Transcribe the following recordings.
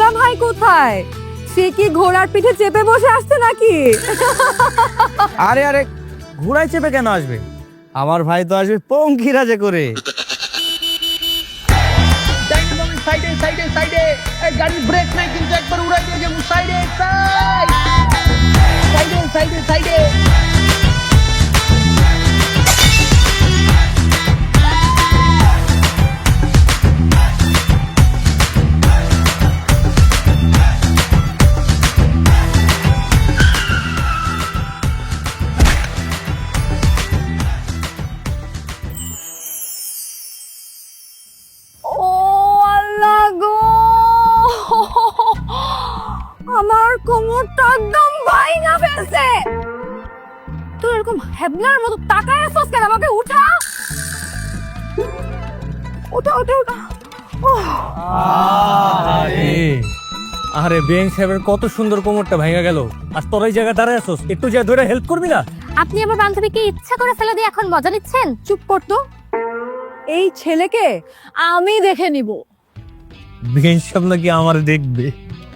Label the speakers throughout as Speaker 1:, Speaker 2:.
Speaker 1: দুলা ভাই কোথায়? সে কি ঘোড়ার পিঠে চেপে বসে আসছে নাকি?
Speaker 2: আরে আরে, ঘোড়ায় চেপে কেন আসবে? আমার ভাই তো আসবে পঙ্খিরাজে করে।
Speaker 3: সাইডে সাইডে সাইডে, গাড়ির ব্রেক নাই কিন্তু একবার উড়াই দিয়ে যাবো। সাইডে সাইডে সাইডে সাইডে।
Speaker 1: ও আল্লাহ গো, আমার কোমরটা একদম ভাঙা ফেলছে। তুই এরকম হেবলার মতো তাকায় আছিস কেন? আমাকে উঠা, ওঠা ওঠা ওঠা।
Speaker 2: আরে আরে, বেন সাহেবের কত সুন্দর কোমরটা ভেঙে গেল, আর তোর এই জায়গায় দাঁড়ায় আছিস, একটু যা ধরে হেল্প করবি না?
Speaker 4: আপনি আমার বান্ধবীকে ইচ্ছা করে ফেলে দিয়ে এখন মজা নিচ্ছেন?
Speaker 1: চুপ কর তো, এই ছেলেকে আমি দেখে নিব।
Speaker 2: বেন সাহেব নাকি আমার দেখবে?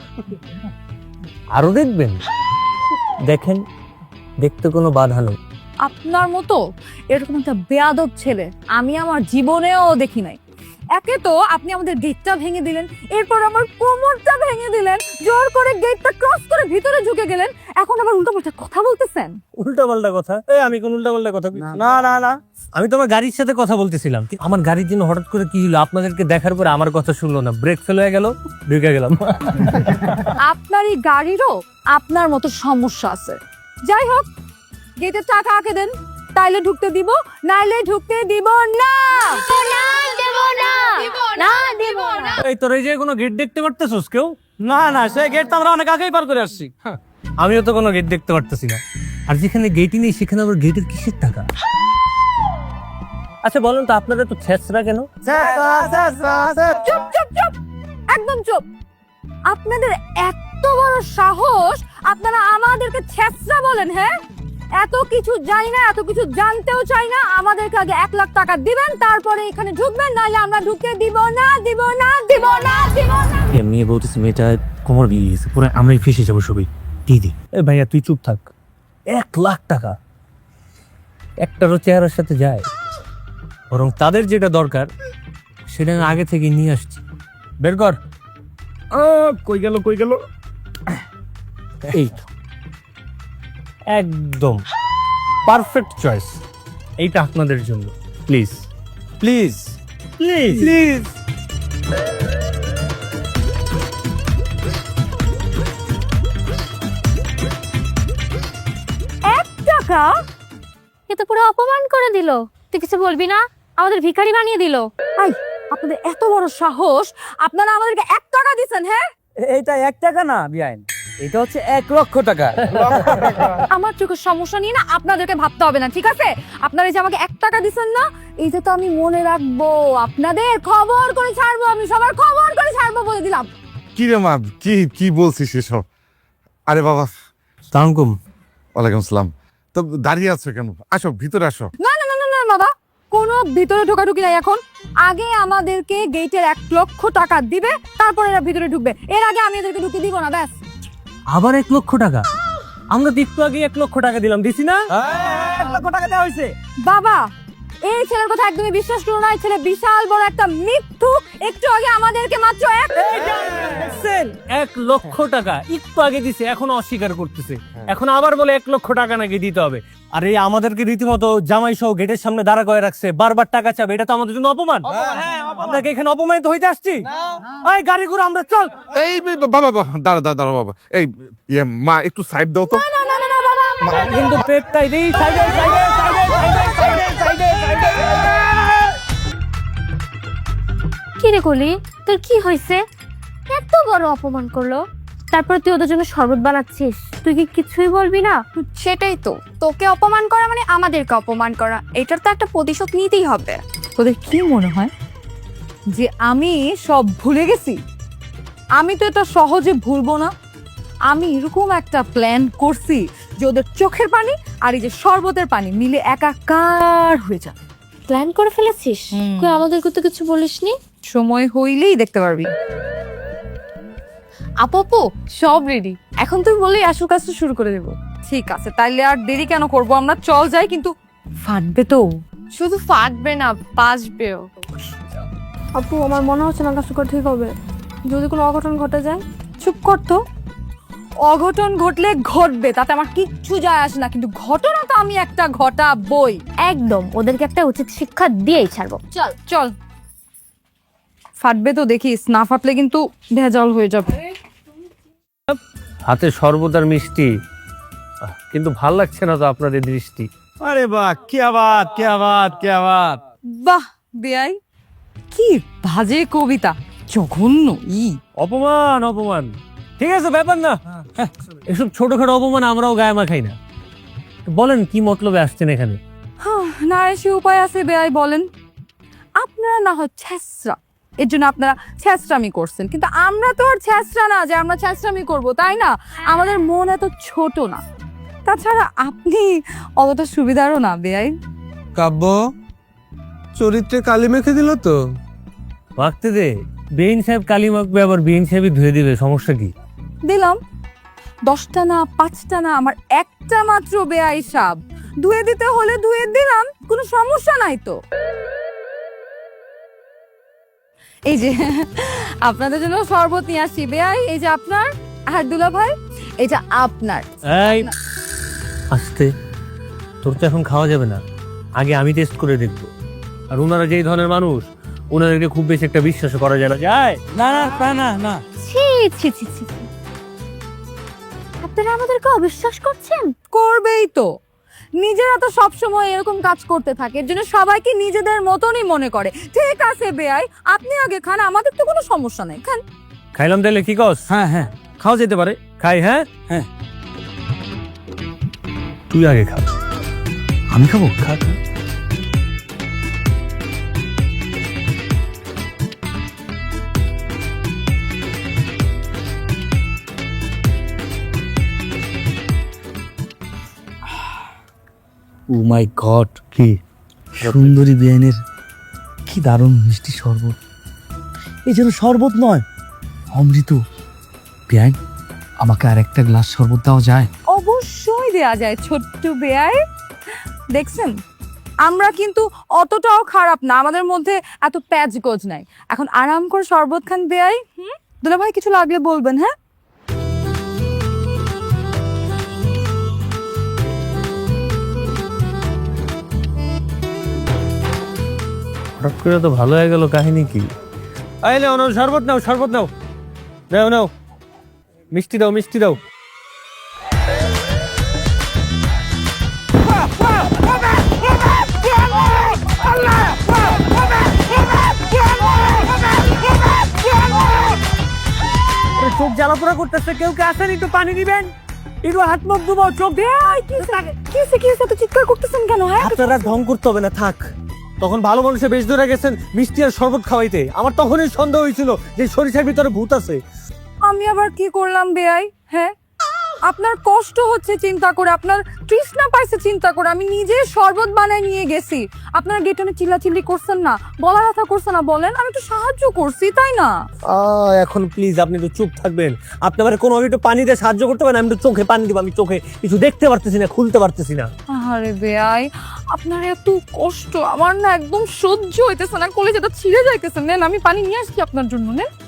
Speaker 2: আরো দেখবেন? দেখেন, দেখতে কোনো বাধা নেই।
Speaker 1: আপনার মতো এরকম একটা বেয়াদব ছেলে আমি আমার জীবনেও দেখি নাই। একে তো আপনি আমাদের গেটটা ভেঙে দিলেন, এরপর আমার কোমরটা ভেঙে দিলেন, জোর করে গেটটা ক্রস করে ভিতরে ঢুকে গেলেন, এখন আবার উল্টোপাল্টা কথা বলতেছেন।
Speaker 2: উল্টা পাল্টা কথা? আমি কোন উল্টা পাল্টা কথা? না না না, আমি তোমার গাড়ির সাথে কথা বলতেছিলাম। আমার গাড়ির জন্য হঠাৎ করে কি হলো, আপনাদেরকে দেখার পরে আমার কথা শুনলো না, ব্রেক ফেল হয়ে গেল, ঢুকে গেলাম।
Speaker 1: আপনার এই গাড়িরও আপনার মতো সমস্যা আছে। যাই হোক, গেটের টাকা আঁকে দেন, তাইলে ঢুকতে দিব, নাইলে ঢুকতে দিব না।
Speaker 2: এই তোর এই যে কোনো গেট দেখতে পারতেছিস কেউ? না না, সেই গেট তো আমরা অনেক আগেই পার করে আসছি। আমিও তো কোনো গেট দেখতে পারতেছি না। আর যেখানে গেটই নেই সেখানে আবার গেটের কিসের টাকা? আচ্ছা বলেন তো, আপনাদের তো ছেঁচড়া কেন?
Speaker 1: চুপ চুপ চুপ, একদম চুপ। আপনাদের এত বড় সাহস, আপনারা আমাদেরকে ছেঁচড়া বলেন? হ্যাঁ, এত কিছু জানি না, এত কিছু জানতেও চাই না। আমাদেরকে আগে 1 লাখ টাকা দিবেন, তারপরে এখানে ঢুকবেন, নাহলে আমরা ঢুকে দিব না, দিব না, দিব না, দিব না।
Speaker 2: এমনি বলতেছি, মেয়েটা কোমর বিয়ে গেছে, পুরো আমরাই ফেসে যাবো সবাই। দিদি এ ভাইয়া, তুই চুপ থাক। 1 লাখ টাকা একটারও চেহারার সাথে যায়? বরং তাদের যেটা দরকার সেটা আমি আগে থেকে নিয়ে আসছি। বের কর। কই গেল কই গেল? এই তো, একদম পারফেক্ট চয়েস। এইটা আপনাদের জন্য। Please please please please.
Speaker 1: টাকা?
Speaker 4: এ তো পুরো অপমান করে দিল। তুই কিছু বলবি না? আমাদের ভিখারি বানিয়ে দিল।
Speaker 1: আই, আপনাদের এত বড় সাহস, আপনারা আমাদেরকে 1 টাকা দিবেন? হ্যাঁ,
Speaker 2: এইটা 1 টাকা না বিআইন, এটা হচ্ছে 1 লক্ষ টাকা।
Speaker 1: আমার চোখের সমস্যা নিয়ে না আপনাদেরকে ভাবতে হবে না, ঠিক আছে? আপনারা এই যে আমাকে 1 টাকা দিচ্ছেন না, এইটা তো আমি মনে রাখবো। আপনাদের খবর করে ছাড়বো, আমি সবার খবর করে ছাড়বো বলে দিলাম।
Speaker 5: কি রে মা, কি কি বলছিস এসব? আরে বাবা,
Speaker 2: সালামকুম।
Speaker 5: ওয়ালাইকুম আসসালাম। তো দাঁড়িয়ে আছো কেন? আসো, ভিতরে আসো।
Speaker 1: না না না না না বাবা, কোনো ভিতরে ঢোকাঢুকি নাই এখন। আগে আমাদেরকে গেটের 1 লক্ষ টাকা দিবে, তারপর এরা ভিতরে ঢুকবে। এর আগে আমি এদেরকে ঢুকতে দিব না, ব্যাস।
Speaker 2: আবার 1 লক্ষ টাকা? আমরা তো একটু আগে 1 লক্ষ টাকা দিলাম, দিছি না? 1 লক্ষ টাকা দেওয়া হয়েছে।
Speaker 1: বাবা, এই ছেলের কথা একদমই বিশ্বাস করো না। এই ছেলে বিশাল বড় একটা মিথ্যু। একটু আগে আমাদেরকে মাত্র
Speaker 2: 1 লক্ষ টাকা একটু আগে দিছে, এখন অস্বীকার করতেছে। এখন আবার বলে 1 লক্ষ টাকা নাকি দিতে হবে। আর এই আমাদেরকে রীতিমতো জামাই সহ গেটের সামনে দাঁড়া করে রাখছে, বারবার টাকা চাবে। এটা তো আমাদের জন্য অপমান। আমরা কি এখানে অপমানিত হইতে আসছি? এই গাড়ি ঘুরে আমরা চল।
Speaker 5: এই বাবা, বাবা, দাঁড়া দাঁড়া দাঁড়া বাবা। এই মা, একটু সাইড দাও তো।
Speaker 1: না না না না বাবা,
Speaker 2: কিন্তু পেটটাই দিই। সাইডে সাইডে সাইডে সাইডে সাইডে সাইডে সাইডে।
Speaker 4: কি রে কলি, তোর কি হয়েছে? এত বড় অপমান করলো, তারপর তুই ওদের জন্য শরবত বানাচ্ছিস। তুই কি কিছুই বলবি না?
Speaker 6: সেটাই তো, তোকে অপমান করা মানে আমাদেরকে অপমান করা। এটার তো একটা প্রতিশোধ নিতেই হবে।
Speaker 1: তোদের কি মনে হয় যে আমি সব ভুলে গেছি? আমি তো এটা সহজে ভুলবো না। আমি এরকম একটা প্ল্যান করছি যে ওদের চোখের পানি আর এই যে শরবতের পানি মিলে একাকার হয়ে যাবে।
Speaker 4: প্ল্যান করে ফেলেছিস? কই আমাদেরকে তো কিছু বলিসনি।
Speaker 1: সময় হইলেই দেখতে পারবি। আপু সব রেডি, এখন তুমি বললেই আসল কাজটা শুরু করে দেবো। ঠিক আছে, তাইলে আর দেরি কেন করব, আমরা চল যাই। কিন্তু ফাটবে তো?
Speaker 6: শুধু ফাটবে না, বাসবেও।
Speaker 1: আপু আমার মনে হচ্ছে না কাজটা ঠিক হবে, যদি কোনো অঘটন ঘটে যায়। চুপ করতো, অঘটন ঘটলে ঘটবে, তাতে আমার কিচ্ছু যায় আসে না, কিন্তু ঘটনা তো আমি একটা ঘটাবই।
Speaker 4: একদম, ওদেরকে একটা উচিত শিক্ষা দিয়েই ছাড়বো।
Speaker 1: চল চল। ফাটবে তো দেখিস, না ফাটলে কিন্তু ভেজাল হয়ে যাবে।
Speaker 2: হাতে শরবত আর মিষ্টি, কিন্তু ভাল লাগছে না তো আপনাদের দৃষ্টি।
Speaker 3: আরে বাহ, क्या बात क्या बात क्या बात।
Speaker 1: বাহ বেয়াই, কি বাজে কবিতা, জঘন্য।
Speaker 2: অপমান অপমান, ঠিক আছে ব্যাপার না, এসব ছোটখাটো অপমান আমরাও গায়ে মাখাই না। বলেন কি মতলবে আসছেন এখানে?
Speaker 1: না এসে উপায় আছে বেয়াই, বলেন। আপনারা না হয় ছ্যাঁচড়া, এর জন্য আপনারা ছ্যাঁচড়ামি করছেন, কিন্তু আমরা তো আর ছ্যাঁচড়া না যে আমরা ছ্যাঁচড়ামি করবো, তাই না? আমাদের মন এত ছোট না। তাছাড়া আপনি অতটা সুবিধারও না বেয়াই।
Speaker 7: কাব্য চরিত্রে কালি মেখে দিল তো।
Speaker 2: মাখতে দে, বেইন সাহেব কালি মাখবে, আবার বেইন সাহেবই ধুয়ে দিবে, সমস্যা কি?
Speaker 1: দিলাম 10টা না 5টা না, আমার একটা মাত্র বেয়াই সাব, ধুয়ে দিতে হলে ধুয়ে দিলাম, কোনো সমস্যা নাই তো। এই যে আপনাদের জন্য শরবত নিয়ে আসি বেয়াই, এই যে আপনার, আর দুলা ভাই এটা আপনার।
Speaker 2: এই আস্তে, তোর তো এখন খাওয়া যাবে না, আগে আমি টেস্ট করে দেখবো। আর ওনারা যেই ধরনের মানুষ, ওনাদেরকে খুব বেশি একটা বিশ্বাস করা যায় না। যায়
Speaker 3: না না না না না,
Speaker 4: ছি ছি ছি ছি, আপনারা আমাদেরকে অবিশ্বাস করছেন?
Speaker 1: করবেই তো, নিজেরা তো সবসময় এরকম কাজ করতে থাকে, এর জন্য সবাইকে নিজেদের মতনই মনে করে। ঠিক আছে বেয়াই, আপনি আগে খান, আমাদের তো কোনো সমস্যা নেই, খান।
Speaker 2: খাইলাম তাহলে, কি কস?
Speaker 3: হ্যাঁ হ্যাঁ, খাওয়া যেতে পারে।
Speaker 2: খাই, হ্যাঁ
Speaker 3: হ্যাঁ।
Speaker 2: তুই আগে খা।
Speaker 3: আমি খাবো?
Speaker 2: খা খা।
Speaker 3: ও মাই গড,
Speaker 2: কি
Speaker 3: সুন্দরী বেআইনের কি দারুণ মিষ্টি শরবত। এই যেন শরবত নয়, অমৃত। বেআইন, আমাকে আর একটা গ্লাস শরবত দেওয়া যায়?
Speaker 1: অবশ্যই দেয়া যায় ছোট্ট বেয়াই। দেখছেন, আমরা কিন্তু অতটাও খারাপ না, আমাদের মধ্যে এত প্যাচ গোজ নাই। এখন আরাম করে শরবত খান বেয়াই। দুলা ভাই কিছু লাগলে বলবেন, হ্যাঁ?
Speaker 2: হঠাৎ করে তো ভালো হয়ে গেল, কাহিনী কি? আইলে নাও শরবত, নাও শরবত, নাও নাও নাও, মিষ্টি দাও মিষ্টি দাও। চোখ জ্বালাপোড়া করতেছে, কেউ কে আসেন, একটু পানি দিবেন, একটু হাত মুখ ধুবো, চোখ দিয়ে।
Speaker 1: কি তো চিৎকার করতেছেন কেন? হ্যাঁ,
Speaker 2: আপনারা ঢং করতে হবে না, থাক। তখন ভালো মানুষের বেশ ধরে গেছেন মিষ্টি আর শরবত খাওয়াইতে, আমার তখনই সন্দেহ হয়েছিল যে সরিষার ভিতরে ভূত আছে।
Speaker 1: আমি আবার কি করলাম বেয়াই? হ্যাঁ, আপনার কষ্ট হচ্ছে চিন্তা করে, আপনার তৃষ্ণা পাইছে চিন্তা করে, আমি নিজে শরবত বানায় নিয়ে গেছি। আপনার গেটনে চিল্লাচিল্লি করছেন না, বলা কথা করছেন না, বলেন আমি একটু সাহায্য করছি, তাই না?
Speaker 2: এখন প্লিজ আপনি একটু চুপ থাকবেন। আপনি আমার কোনো একটু পানি দিয়ে সাহায্য করতে পারেন? আমি একটু চোখে পানি দিব, আমি চোখে কিছু দেখতে পারতেছি না, খুলতে পারতেছি না।
Speaker 1: আরে বেয়াই, আপনার এত কষ্ট আমার না একদম সহ্য হইতেছে না, কলেজাটা ছিঁড়ে যাইতেছে। নেন আমি পানি নিয়ে আসছি আপনার জন্য, নেন।